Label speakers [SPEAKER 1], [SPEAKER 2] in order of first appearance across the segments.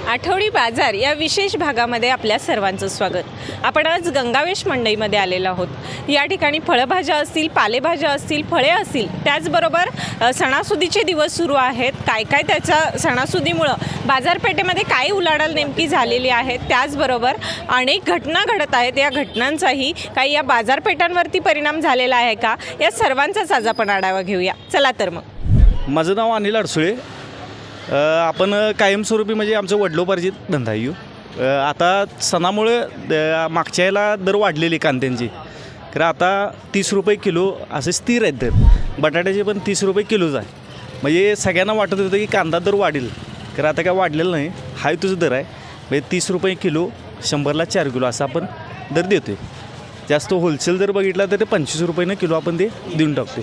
[SPEAKER 1] आठवडी बाजार या विशेष भागामध्ये आपल्या सर्वांचं स्वागत. आपण आज गंगावेश मंडईमध्ये आलेलो आहोत. या ठिकाणी फळभाज्या असतील, पालेभाज्या असतील, फळे असतील, त्याचबरोबर सणासुदीचे दिवस सुरू आहेत. काय त्याच्या सणासुदीमुळं बाजारपेठेमध्ये काय उलाढाल नेमकी झालेली आहे, त्याचबरोबर अनेक घटना घडत आहेत. या घटनांचाही काही या बाजारपेठांवरती परिणाम झालेला आहे का, या सर्वांचाच आज आपण आढावा घेऊया. चला तर मग.
[SPEAKER 2] माझं नाव अनिल अडसुळे. आपण कायमस्वरूपी म्हणजे आमचं वडिलोपार्जित धंदा आहे. आता सणामुळे मागच्या याला दर वाढलेली कांद्यांची, कारण आता 30 रुपये किलो असे स्थिर आहेत दर. बटाट्याचे पण 30 रुपये किलोच आहे. म्हणजे सगळ्यांना वाटत होतं की कांदा दर वाढेल, कारण आता काय वाढलेलं नाही, हाय तुझं दर आहे. म्हणजे 30 रुपये किलो, 100ला 4 किलो असा आपण दर देतो आहे. जास्त होलसेल दर बघितला तर ते 25 रुपयानं किलो आपण ते देऊन टाकतो.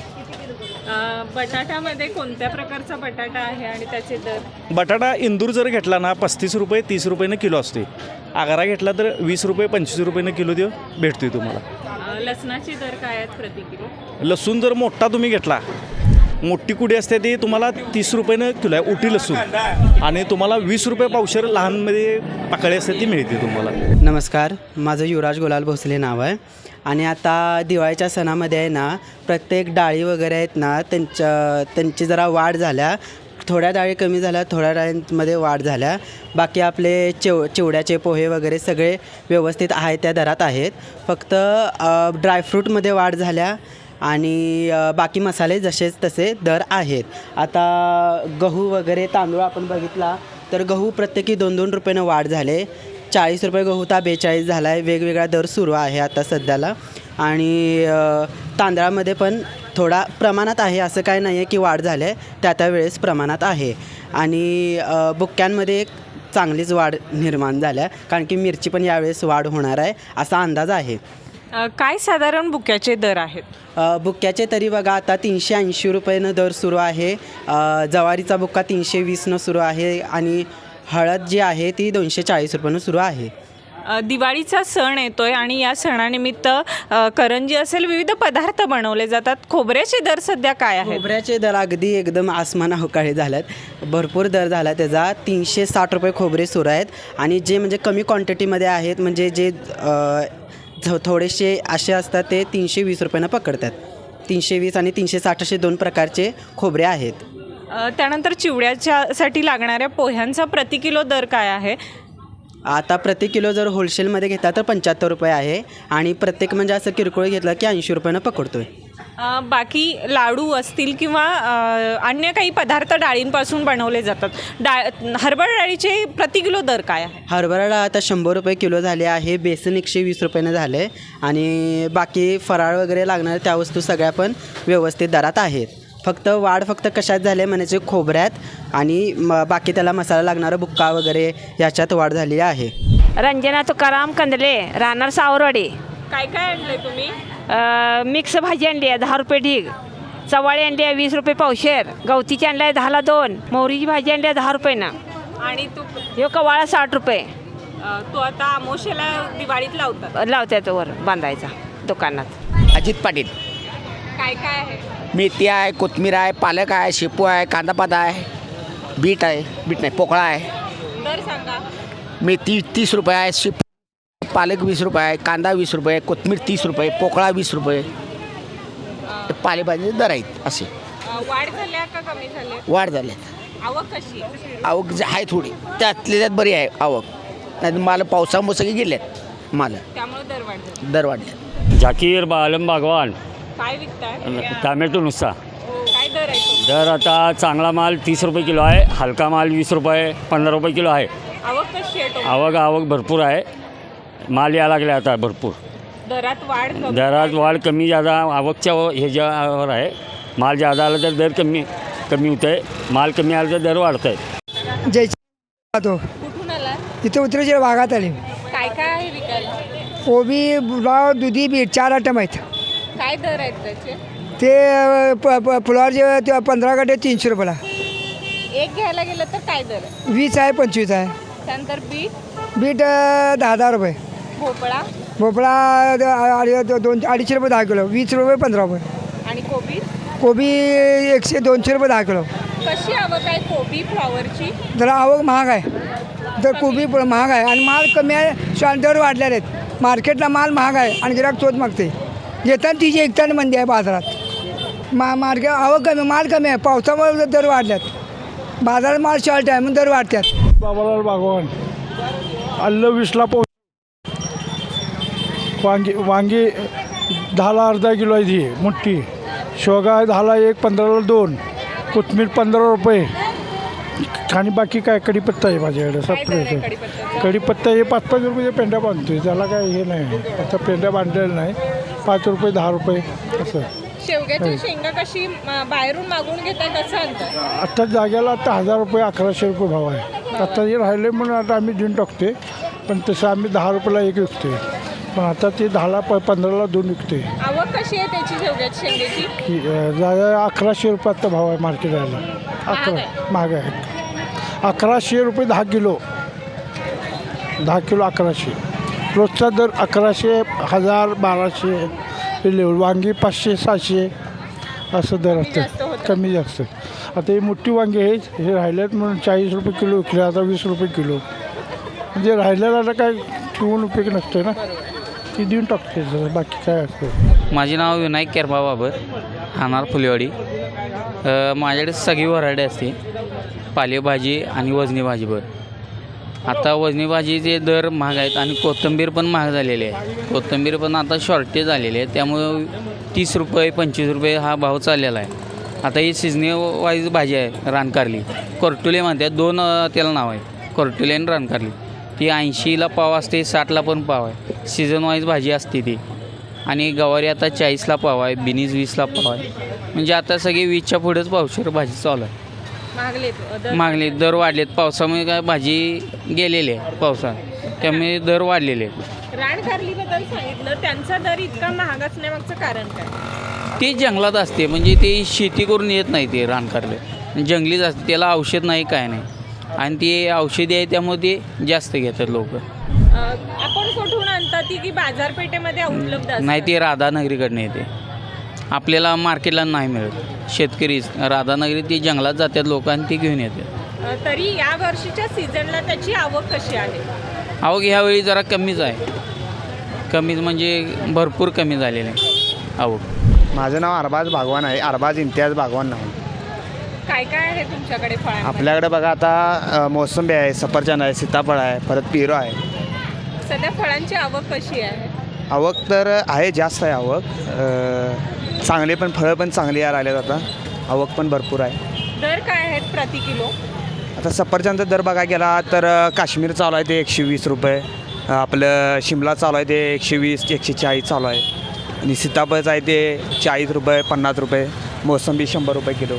[SPEAKER 1] बटाट्यामध्ये कोणत्या प्रकारचा बटाटा आहे आणि त्याचे दर?
[SPEAKER 2] बटाटा इंदूर जर घेतला ना 35 रुपये 30 रुपयानं किलो असते. आगारा घेतला तर 20 रुपये 25 रुपयानं किलो भेटतोय तुम्हाला.
[SPEAKER 1] लसणाचे दर काय आहेत प्रति किलो?
[SPEAKER 2] लसूण जर मोठा तुम्ही घेतला, मोठी कुडी असते ती तुम्हाला 30 रुपयानं किलो आहे उटी लसूण, आणि तुम्हाला 20 रुपये पावशेर लहानमध्ये पाकळी असते ती मिळते तुम्हाला.
[SPEAKER 3] नमस्कार, माझं युवराज गुलाल भोसले नाव आहे. आणि आता दिवाळीच्या सणामध्ये आहे ना, प्रत्येक डाळी वगैरे आहेत ना, त्यांची जरा वाढ झाल्या. थोड्या डाळी कमी झाल्या, थोड्या डाळींमध्ये वाढ झाल्या. बाकी आपले चिवड्याचे पोहे वगैरे सगळे व्यवस्थित आहे त्या दरात आहेत. फक्त ड्रायफ्रूटमध्ये वाढ झाल्या आणि बाकी मसाले जसेच तसे दर आहेत. आता गहू वगैरे तांदूळ आपण बघितला तर गहू प्रत्येकी 2-2 रुपयानं वाढ झाले. 40 रुपये गहू तर 42 झाला आहे. वेगवेगळा दर सुरू आहे आता सध्याला. आणि तांदळामध्ये पण थोडा प्रमाणात आहे, असं काय नाही आहे की वाढ झाली आहे, त्या वेळेस प्रमाणात आहे. आणि बुक्क्यांमध्ये एक चांगलीच वाढ निर्माण झाल्या, कारण की मिरची पण यावेळेस वाढ होणार आहे असा अंदाज आहे.
[SPEAKER 1] काय साधारण बुक्याचे दर आहेत?
[SPEAKER 3] बुक्क्याचे तरी बघा आता 380 रुपयानं दर सुरू आहे. ज्वारीचा बुक्का 320नं सुरू आहे आणि हळद जी आहे ती 240 रुपयानं सुरू आहे.
[SPEAKER 1] दिवाळीचा सण येतोय आणि या सणानिमित्त करंजी असेल, विविध पदार्थ बनवले जातात. खोबऱ्याचे दर सध्या काय आहेत?
[SPEAKER 3] खोबऱ्याचे दर अगदी एकदम आसमानावकाळी झाल्यात. भरपूर दर झाला त्याचा. 360 रुपये खोबरे सुरू आहेत. आणि जे म्हणजे कमी क्वांटिटीमध्ये आहेत, म्हणजे जे थोडेसे असे असतात ते 320 रुपयानं पकडतात. 320 आणि 360 असे 2 प्रकारचे खोबरे आहेत.
[SPEAKER 1] त्यानंतर चिवड्याच्यासाठी लागणाऱ्या पोह्यांचा प्रति किलो दर काय आहे?
[SPEAKER 3] आता प्रति किलो जर होलसेलमध्ये घेतला तर 75 रुपये आहे. आणि प्रत्येक म्हणजे असं किरकोळ घेतलं की 80 रुपयानं पकडतो आहे.
[SPEAKER 1] बाकी लाडू असतील किंवा अन्य काही पदार्थ डाळींपासून बनवले जातात. हरभरा डाळीचे प्रति किलो दर काय आहे?
[SPEAKER 3] हरभरा डाळ आता 100 रुपये किलो झाले आहे. बेसन 120 रुपयानं झाले. आणि बाकी फराळ वगैरे लागणाऱ्या त्या वस्तू सगळ्या पण व्यवस्थित दरात आहेत. फक्त वाढ कशात झाले म्हणायचे खोबऱ्यात आणि बाकी त्याला मसाला लागणारा बुक्का वगैरे याच्यात वाढ झाली आहे.
[SPEAKER 4] रंजना तुकाराम कंदले, राहणार सावरवाडी.
[SPEAKER 1] काय आणले तुम्ही?
[SPEAKER 4] मिक्स भाजी आणली आहे 10 रुपये ढीग. चवाळी आणली आहे 20 रुपये पावशेर. गवतीची आणली आहे 10ला 2. मोहरीची भाजी आणली आहे 10 रुपयानं.
[SPEAKER 1] आणि तू
[SPEAKER 4] हे कवाळा 60 रुपये.
[SPEAKER 1] तो आता आमोशेला दिवाळीत
[SPEAKER 4] लावतात वर बांधायचा दुकानात.
[SPEAKER 5] अजित पाटील.
[SPEAKER 1] काय आहे?
[SPEAKER 5] मेथी आहे, कोथिंबीर आहे, पालक आहे, शेपू आहे, कांदापात आहे, बीट नाही पोकळा आहे.
[SPEAKER 1] दर सांगा.
[SPEAKER 5] मेथी 30 रुपये आहे, शेपू पालक 20 रुपये आहे, कांदा 20 रुपये, कोथिंबीर 30 रुपये, पोकळा 20 रुपये. पालेभाजी दर आहेत असे.
[SPEAKER 1] वाढ झाल्या का कमी झाले?
[SPEAKER 5] वाढ झाली.
[SPEAKER 1] आवक कशी?
[SPEAKER 5] आवक आहे थोडी, त्यात बरी आहे आवक. नाही माल पावसामुळे सगळे गेलेत माल,
[SPEAKER 1] त्यामुळे
[SPEAKER 5] दर वाढले.
[SPEAKER 6] झाकीर आलम बागवान.
[SPEAKER 1] काय विकताय?
[SPEAKER 6] टॅमॅटो नुसता.
[SPEAKER 1] काय दर आहे?
[SPEAKER 6] दर आता चांगला माल 30 रुपये किलो आहे, हलका माल 20 रुपये 15 रुपये किलो आहे.
[SPEAKER 1] आवक कशी आहे?
[SPEAKER 6] आवक भरपूर आहे. माल यायला लागले आता भरपूर.
[SPEAKER 1] दरात
[SPEAKER 6] वाढ कमी जादा आवकच्या ह्याच्यावर आहे. माल जादा आला तर दर कमी होतं आहे, माल कमी आला तर दर वाढत आहे.
[SPEAKER 1] कुठून आला?
[SPEAKER 7] इथे उतरायच्या भागात आली.
[SPEAKER 1] काय आहे विकायला?
[SPEAKER 7] कोबी, बुलाव, दुधी, बीट 4 आयटम आहेत.
[SPEAKER 1] काय दर आहेत त्याचे?
[SPEAKER 7] ते फुलावरचे ते 15 गड्डे 300 रुपयाला.
[SPEAKER 1] एक घ्यायला गेलं तर काय दर आहे?
[SPEAKER 7] 20 आहे, 25 आहे.
[SPEAKER 1] त्यानंतर बीट
[SPEAKER 7] 10 रुपये.
[SPEAKER 1] भोपळा
[SPEAKER 7] 200-250 रुपये 10 किलो. 20 रुपये 15 रुपये.
[SPEAKER 1] आणि
[SPEAKER 7] कोबी 100-200 रुपये 10 किलो.
[SPEAKER 1] कशी आवक आहे कोबी फ्लॉवरची?
[SPEAKER 7] जरा आवक महाग आहे. तर कोबी महाग आहे आणि माल कमी आहे, दर वाढलेले आहेत. मार्केटला माल महाग आहे आणि गिराक तोच मागते. घेताना तिची एकताना मंदी आहे बाजारात. मार्केट आवक कमी, माल कमी आहे, पावसामुळे दर वाढल्यात. बाजारात माल शॉर्ट आहे, मग दर वाढतात.
[SPEAKER 8] बाबालाल बागवान आलं 20ला वांगी 10ला अर्धा किलो आहे ती मोठी. शेवगा 10ला 1, 15ला 2, कोथमीर 15 रुपये. आणि बाकी काय कढीपत्ता आहे माझ्याकडे सप्रेट. कढीपत्ता हे 5-5 रुपये पेंड्या बांधतोय, त्याला काय हे नाही. आता पेंड्या बांधलेलं नाही. 5 रुपये 10 रुपये असं.
[SPEAKER 1] शेवग्याची शेंगा कशी बाहेरून मागून घेताय, कसं आणतात?
[SPEAKER 8] आता जाग्याला आता 1000 रुपये 1100 रुपये भाव आहे. आता हे राहिले म्हणून आता आम्ही देऊन टाकते, पण तसं आम्ही 10 रुपयाला एक विकते. पण आता ते 10ला 15ला 2 विकते.
[SPEAKER 1] आवक कशी आहे त्याची शेवग्याची शेंगेची?
[SPEAKER 8] जागा 1100 रुपये आता भाव आहे मार्केटला. 11 महाग आहे. 1100 रुपये 10 किलो. 10 किलो 1100. रोजचा दर 1100, 1000, 1200 हे लेवल. वांगी 500-600 असं दर असतं, कमी जास्त. आता ही मोठी वांगी आहेत, हे राहिल्यात म्हणून 40 रुपये किलो विकले, आता 20 रुपये किलो. म्हणजे राहिलेला काय ठेवून उपयोग नसतो ना, ती देऊन टाकते. बाकी काय असतं.
[SPEAKER 9] माझे नाव विनायक केरबा बाबर, राहणार फुलेवाडी. माझ्याकडे सगळी व्हरायटी असते, पालेभाजी आणि वजनी भाजीवर. आता वजनी भाजीचे दर महाग आहेत आणि कोथिंबीर पण महाग झालेली आहे. कोथिंबीर पण आता शॉर्टेज झालेली आहे, त्यामुळं 30 रुपये 25 रुपये हा भाव चाललेला आहे. आता ही सिजनी वाईज भाजी आहे, रानकारली कोर्टुले म्हणतात. 2 त्याला नाव आहे, कोर्टुले आणि रानकारली. ती 80ला पाव असते, 60ला पण पाव आहे. सीझन वाईज भाजी असते ती. आणि गवारी आता 40ला पाव आहे, बिनीज 20ला पाव आहे. म्हणजे आता सगळे 20च्या पुढेच पावशेर भाजी चालू आहे. मागले दर वाढलेत. पावसामुळे काय भाजी गेलेली आहे, पावसात त्यामुळे दर वाढलेले आहेत.
[SPEAKER 1] रानकारलीबद्दल सांगितलं, त्यांचा दर इतका महाग असण्यामागचं कारण काय?
[SPEAKER 9] ते जंगलात असते, म्हणजे ते शेती करून येत नाही. ते रानकारले जंगलीच असते, त्याला औषध नाही काय नाही. आणि ते औषधी आहे त्यामुळे ते जास्त घेतात लोक.
[SPEAKER 1] आपण कुठून आणतात ती की बाजारपेठेमध्ये उपलब्ध असतात?
[SPEAKER 9] नाही, ते राधानगरीकडनं येते, आपल्याला मार्केटला नाही मिळत. शेतकरी राधानगरी ते जंगलात जातात लोक आणि ते घेऊन येतात.
[SPEAKER 1] तरी या वर्षीच्या सीझनला त्याची आवक कशी आहे?
[SPEAKER 9] आवक ह्यावेळी जरा कमीच आहे. कमीच म्हणजे भरपूर कमी झालेलं आहे आवक.
[SPEAKER 10] माझं नाव अरबाज बागवान आहे, अरबाज इम्तियाज बागवान नाव.
[SPEAKER 1] काय काय आहे तुमच्याकडे फळांमध्ये?
[SPEAKER 10] आपल्याकडे बघा आता मोसंबी आहे, सफरचंद आहे, सीताफळ आहे, परत पेरू आहे.
[SPEAKER 1] सध्या फळांची आवक कशी आहे?
[SPEAKER 10] आवक तर आहे, जास्त आहे आवक. चांगले पण फळं पण चांगली यायला लागल्यात आता. आवक पण भरपूर आहे.
[SPEAKER 1] दर काय आहेत प्रति किलो?
[SPEAKER 10] आता सफरचंदचा दर बघा गेला तर काश्मीर चालू आहे ते 120 रुपये. आपलं शिमला चालू आहे ते 120, 140 चालू आहे. आणि सीताफळचं आहे ते 40 रुपये, 50 रुपये. मोसंबी 100 रुपये किलो.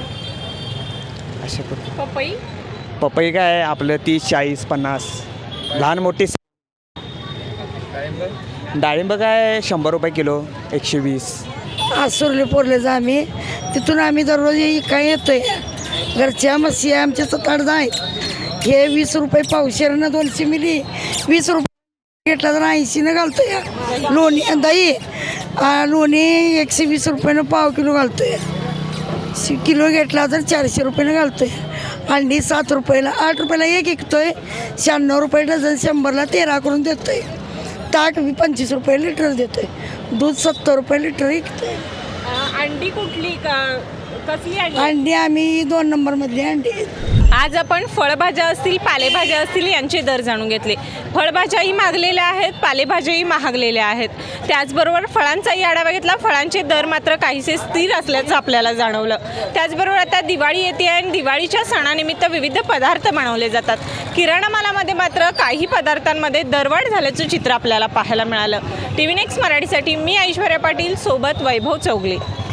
[SPEAKER 10] अशा
[SPEAKER 1] पपई?
[SPEAKER 10] पपई काय आहे आपलं 30, 40, 50. लहान मोठी. डाळिंब काय 100 रुपये किलो, 120.
[SPEAKER 11] आसुर्ली पोरलेचं आम्ही, तिथून आम्ही दररोज काय येतोय. घरच्या म्हशी आमच्या 7-8 आहेत. हे 20 रुपये पावशेरनं 200 मिली 20 रुपये घेतला तर 80नं घालतोय. लोणी दही लोणी 120 रुपयानं पाव किलो घालतोय. किलो घेतला तर 400 रुपयानं घालतोय. अंडी 7 रुपयाला 8 रुपयाला एक विकतोय. 96 रुपये डझन, 100ला 13 करून देतोय. ताक 25 रुपये लिटर देतोय. दूध 70 रुपये लिटर विकतोय.
[SPEAKER 1] अंडी कुठली का कसली
[SPEAKER 11] अंडी आम्ही 2 नंबरमधली अंडी.
[SPEAKER 1] आज आपण फळभाज्या असतील, पालेभाज्या असतील यांचे दर जाणून घेतले. फळभाज्याही मागलेल्या आहेत, पालेभाज्याही महागलेल्या आहेत. त्याचबरोबर फळांचाही आढावा घेतला. फळांचे दर मात्र काहीसे स्थिर असल्याचं आपल्याला जाणवलं. त्याचबरोबर आता दिवाळी येते आणि दिवाळीच्या सणानिमित्त विविध पदार्थ बनवले जातात. किराणा मालामध्ये मात्र काही पदार्थांमध्ये दरवाढ झाल्याचं चित्र आपल्याला पाहायला मिळालं. TV नेक्स्ट मराठीसाठी मी ऐश्वर्या पाटील, सोबत वैभव चौगले.